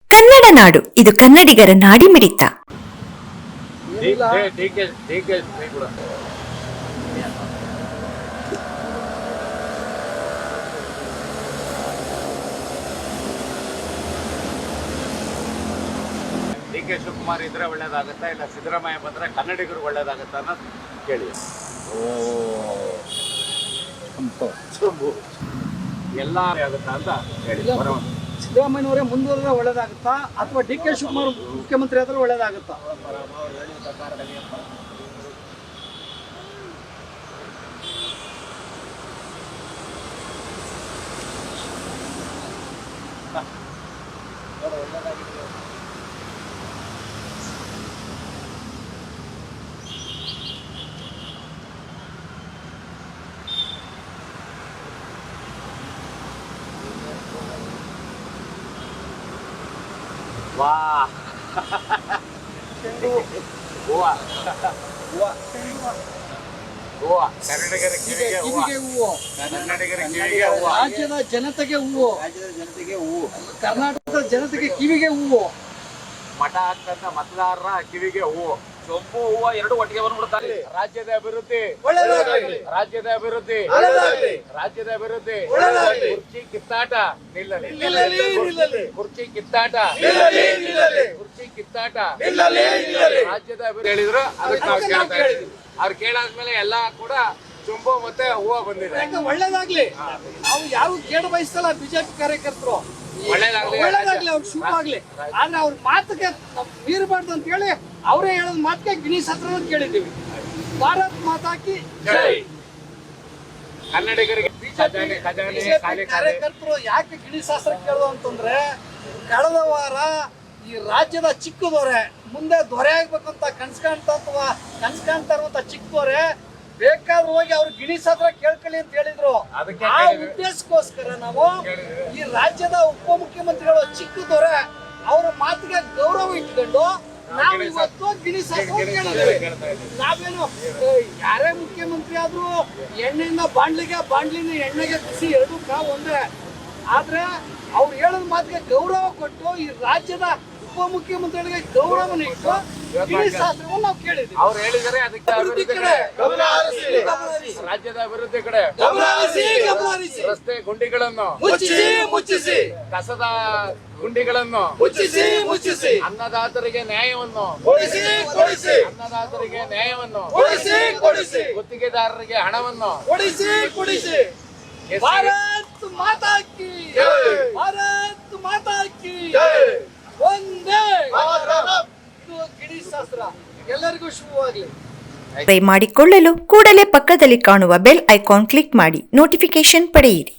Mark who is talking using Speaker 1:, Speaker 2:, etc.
Speaker 1: ಕನ್ನಡ ನಾಡು, ಇದು ಕನ್ನಡಿಗರ ನಾಡಿಮಿಡಿತ.
Speaker 2: ಡಿ ಕೆ ಶಿವಕುಮಾರ್ ಇದ್ರೆ ಒಳ್ಳೇದಾಗುತ್ತಾ ಇಲ್ಲ ಸಿದ್ದರಾಮಯ್ಯ ಬಂದ್ರೆ ಕನ್ನಡಿಗರು ಒಳ್ಳೇದಾಗುತ್ತಾ ಅನ್ನೋದು ಕೇಳಿ. ಎಲ್ಲ ಆಗುತ್ತಾ ಅಂತ ಹೇಳಿ.
Speaker 3: ಸಿದ್ದರಾಮಯ್ಯನವರೇ ಮುಂದುವರೆದ್ರೆ ಒಳ್ಳೇದಾಗುತ್ತಾ ಅಥವಾ ಡಿ ಕೆ ಶಿವಕುಮಾರ್ ಮುಖ್ಯಮಂತ್ರಿ ಆದ್ರೆ ಒಳ್ಳೇದಾಗುತ್ತಾ?
Speaker 2: ವಾ ಹೂವಾ ಹೂವಾ ಕನ್ನಡಿಗರ ಕಿವಿಗೆ
Speaker 3: ಹೂವು,
Speaker 2: ಕನ್ನಡಿಗರ ಕಿವಿಗೆ ಹೂವಾ,
Speaker 3: ರಾಜ್ಯದ ಜನತೆಗೆ ಹೂವು, ಕರ್ನಾಟಕದ ಜನತೆಗೆ ಕಿವಿಗೆ ಹೂವು,
Speaker 2: ಮಠ ಹಾಕ್ತಂತ ಮತದಾರರ ಕಿವಿಗೆ ಹೂವು, ಸೊಂಪು ಹೂವು ಎರಡು ಒಟ್ಟಿಗೆ ಬಂದ್ಬಿಡ್ತಾರೆ. ರಾಜ್ಯದ ಅಭಿವೃದ್ಧಿ, ರಾಜ್ಯದ ಅಭಿವೃದ್ಧಿ, ರಾಜ್ಯದ ಅಭಿವೃದ್ಧಿ. ಕುರ್ಚಿ ಕಿತ್ತಾಟ ನಿಲ್ಲಲಿ, ಕುರ್ಚಿ ಕಿತ್ತಾಟ, ಕುರ್ಚಿ ಕಿತ್ತಾಟ, ರಾಜ್ಯದ ಅಭಿವೃದ್ಧಿ ಹೇಳಿದ್ರು. ಅದಕ್ಕೆ ನಾವು ಕೇಳ್ತಾ ಇದ್ದೀವಿ. ಅವ್ರು ಕೇಳಾದ್ಮೇಲೆ ಎಲ್ಲ ಕೂಡ ಚೊಂಬು ಮತ್ತೆ ಹೂವು ಬಂದಿದೆ.
Speaker 3: ಒಳ್ಳೇದಾಗ್ಲಿ. ನಾವು ಯಾವ ಕೇಡ ಬಯಸ್ತಲ್ಲ ಬಿಜೆಪಿ ಕಾರ್ಯಕರ್ತರು, ಒಳ್ಳೇದಾಗ್ಲಿ, ಅವ್ರಿಗೆ ಶುಭ ಆಗ್ಲಿ. ಆದ್ರೆ ಅವ್ರ ಮಾತಿಗೆ ಮೀರಬಾರ್ದು ಅಂತ ಹೇಳಿ ಅವರೇ ಹೇಳೋದ್ ಮಾತಿಗೆ ಗಿಣೀಶ್ ಹತ್ರ ಕೇಳಿದ್ದೀವಿ. ಭಾರತ್ ಮಾತಾಕಿ ಜೈ.
Speaker 2: ಕನ್ನಡಿಗರಿಗೆ
Speaker 3: ಕಾರ್ಯಕರ್ತರು ಯಾಕೆ ಗಿಣೀಶ್ ಶಾಸ್ತ್ರ ಕೇಳೋದು ಅಂತಂದ್ರೆ, ಕಳೆದ ವಾರ ಈ ರಾಜ್ಯದ ಚಿಕ್ಕ ದೊರೆ ಮುಂದೆ ದೊರೆ ಆಗ್ಬೇಕಂತ ಕನ್ಸ್ಕಾಣ್ತಾ ಇರುವಂತ ಚಿಕ್ಕ ದೊರೆ ಬೇಕಾದ್ರೂ ಹೋಗಿ ಅವ್ರು ಗಿಣೀಶ್ ಹತ್ರ ಕೇಳ್ಕೊಳ್ಳಿ ಅಂತ ಹೇಳಿದ್ರು. ಆ ಉದ್ದೇಶಕ್ಕೋಸ್ಕರ ನಾವು ಈ ರಾಜ್ಯದ ಉಪಮುಖ್ಯಮಂತ್ರಿಗಳು ಚಿಕ್ಕ ದೊರೆ ಅವರ ಮಾತಿಗೆ ಗೌರವ ಇಟ್ಕೊಂಡು ನಾವು ಇವತ್ತು ಗಿಣೀಶ್ ಹತ್ರ ಕೇಳಿದ್ದೇವೆ. ನಾವೇನು ಯಾರೇ ಮುಖ್ಯಮಂತ್ರಿ ಆದ್ರೂ ಎಣ್ಣೆಯಿಂದ ಬಾಂಡ್ಲಿನ ಎಣ್ಣೆಗೆ ಬಿಸಿ ಎರಡೂ ಕಾವು ಒಂದೇ. ಆದ್ರೆ ಅವ್ರು ಹೇಳೋದ್ ಮಾತಿಗೆ ಗೌರವ ಕೊಟ್ಟು ಈ ರಾಜ್ಯದ ಉಪಮುಖ್ಯಮಂತ್ರಿಗಳಿಗೆ ಗೌರವನ ಇಟ್ಟು ಗಿಣೀಶ್ ಶಾಸ್ತ್ರವನ್ನು ನಾವು ಕೇಳಿದ್ವಿ.
Speaker 2: ಅವ್ರು ಹೇಳಿದರೆ ಅದಕ್ಕೆ ರಾಜ್ಯದ ಅಭಿವೃದ್ಧಿ ಕಡೆ ರಸ್ತೆ ಗುಂಡಿಗಳನ್ನು
Speaker 3: ಮುಚ್ಚಿಸಿ,
Speaker 2: ಕಸದ ಗುಂಡಿಗಳನ್ನು
Speaker 3: ಮುಚ್ಚಿಸಿ,
Speaker 2: ಅನ್ನದಾತರಿಗೆ ನ್ಯಾಯವನ್ನು
Speaker 3: ಕೊಡಿಸಿ,
Speaker 2: ಅನ್ನದಾತರಿಗೆ ನ್ಯಾಯವನ್ನು
Speaker 3: ಕೊಡಿಸಿ,
Speaker 2: ಗುತ್ತಿಗೆದಾರರಿಗೆ ಹಣವನ್ನು
Speaker 3: ಕೊಡಿಸಿ. ಭಾರತ್ ಮಾತಾ ಕಿ ಜೈ, ಭಾರತ್ ಮಾತಾ ಕಿ ಜೈ. ಒಂದೇ ಇದು ಗಿಣೀಶ್ ಶಾಸ್ತ್ರ. ಎಲ್ಲರಿಗೂ ಶುಭವಾಗಲಿ.
Speaker 1: ಮಾಡಿಕೊಳ್ಳಲು ಕೂಡಲೇ ಪಕ್ಕದಲ್ಲಿ ಕಾಣುವ ಬೆಲ್ ಐಕಾನ್ ಕ್ಲಿಕ್ ಮಾಡಿ ನೋಟಿಫಿಕೇಶನ್ ಪಡೆಯಿರಿ.